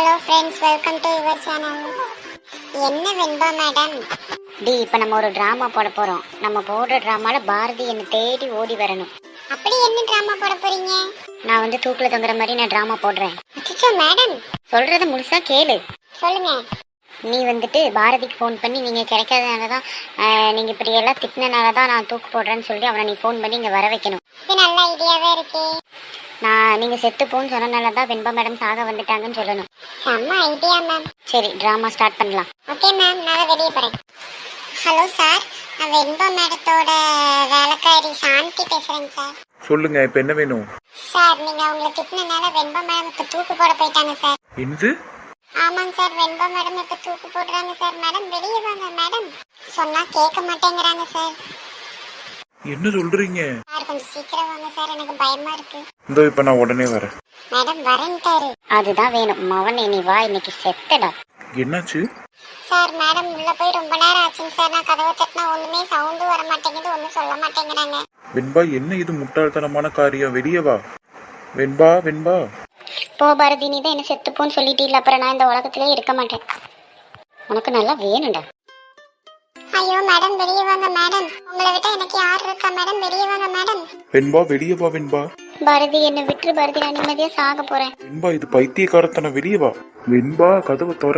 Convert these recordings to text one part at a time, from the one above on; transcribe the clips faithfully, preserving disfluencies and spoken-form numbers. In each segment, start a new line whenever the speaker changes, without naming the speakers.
Hello friends, welcome to your channel. என்ன Venba madam?
D இப்போ நம்ம ஒரு ட்ராமா போட போகிறோம். நம்ம போடுற ட்ராமாவில் பாரதி என்னை தேடி ஓடி வரணும்.
அப்படி என்ன ட்ராமா போட போறீங்க?
நான் வந்து தூக்கில் தொங்குற மாதிரி நான் ட்ராமா போடுறேன்.
அச்சோ மேடம்,
சொல்கிறத முழுசாக கேளு.
சொல்லுங்க.
நீ வந்துட்டு பாரதிக்கு ஃபோன் பண்ணி நீங்கள் கிடைக்காதனால தான், நீங்கள் இப்படி எல்லாம் திட்டினால தான் நான் தூக்கு போடுறேன்னு சொல்லி அவனை நீ ஃபோன் பண்ணி இங்கே வர வைக்கணும்.
இது நல்ல ஐடியாவே இருக்கே.
நான் நீங்கள் செத்து போன்னு சொன்னனால தான் வெண்பா மேடம் சாக வந்துட்டாங்கன்னு சொல்லணும்.
செம்ம ஐடியா மேம்.
சரி, ட்ராமா ஸ்டார்ட் பண்ணலாம்.
ஓகே மேம், நான் வெளியே போறேன். ஹலோ சார், நான் வெண்பா மேடத்தோட வேலைக்காரி சாந்தி பேசுறேங்க சார்.
சொல்லுங்க, இப்ப என்ன வேணும்?
சார், நீங்க அவங்களை திட்டினால வெண்பா மேடம் இப்ப தூக்கு போட போயிட்டாங்க சார்.
என்னது?
ஆமாங்க சார், வெண்பா மேடம் இப்ப தூக்கு போடுறாங்க சார். மேடம் வெளியே வாங்க மேடம். சொன்னா கேட்க மாட்டேங்கிறாங்க சார்.
என்ன சொல்றீங்க?
சார் கொஞ்சம் சீக்கிரம் வாங்க சார், எனக்கு பயமா இருக்கு.
இதோ இப்ப நான் உடனே வரேன்.
மேடம் வரேன்ட்டாரு.
அதுதான் வேணும். மவனே நீ வா, இன்னைக்கு செத்தடா.
என்னாச்சு?
சார் மேடம் உள்ள போய் ரொம்ப நேரம் ஆச்சுங்க சார். நான் கதவை தட்டினா ஒண்ணுமே சவுண்டு வர மாட்டேங்குது, ஒன்றும் சொல்ல மாட்டேங்கிறாங்க.
வெண்பா, என்ன இது முட்டாள்தனமான காரியம்? வெளியே வா வெண்பா. வெண்பா
போ பாரதி, நீ தான் என்ன செத்துப்போன்னு சொல்லிட்டீல்ல, அப்புறம் நான் இந்த உலகத்திலே இருக்க மாட்டேன். உனக்கு நல்லா வேணும்டா.
ஐயோ மேடம் வெளியே வாங்க மேடம். உங்களை விட்டா எனக்கு யார் இருக்கா மேடம்? வெளியே வாங்க மேடம்.
வெண்பா வெளியே வா வெண்பா.
பாரதி என்னை விட்டுரு பாரதி, நான் நிம்மதியா சாக போறேன்.
வெண்பா, இது பைத்தியக்காரத்தனம். வெளியே வா வெண்பா, கதவை தோற.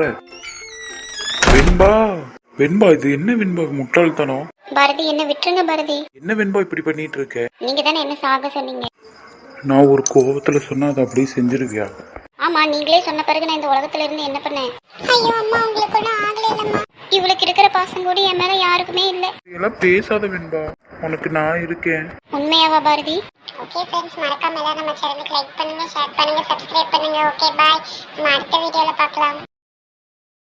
வெண்பா வெண்பா, இது என்ன வெண்பா முட்டாள்தனம்?
பாரதி என்னை விட்டுருங்க பாரதி.
என்ன வெண்பா இப்படி பண்ணிட்டு இருக்க?
நீங்க தானே என்ன சாக சொன்னீங்க.
நான் ஒரு கோபத்துல சொன்னா அதை அப்படியே செஞ்சிருவியா?
ஆமா, நீங்களே சொன்ன பிறகு நான் இந்த உலகத்துல இருந்து என்ன பண்ணேன்?
ஐயோ அம்மா, உங்களுக்கு ஒன்றும் ஆகல இல்லம்மா.
இவளுக்கு இருக்கிற பாசம் கூட என் மேல யாருக்குமே இல்ல.
இதெல்லாம் பேசாத வெண்பா, உனக்கு நான் இருக்கேன்.
உண்மையாவா பாரதி?
ஓகே ஃப்ரெண்ட்ஸ், மறக்காம எல்லாரும் நம்ம சேனலுக்கு லைக் பண்ணுங்க, ஷேர் பண்ணுங்க, சப்ஸ்கிரைப் பண்ணுங்க. ஓகே பாய், நம்ம அடுத்த வீடியோல பார்க்கலாம்.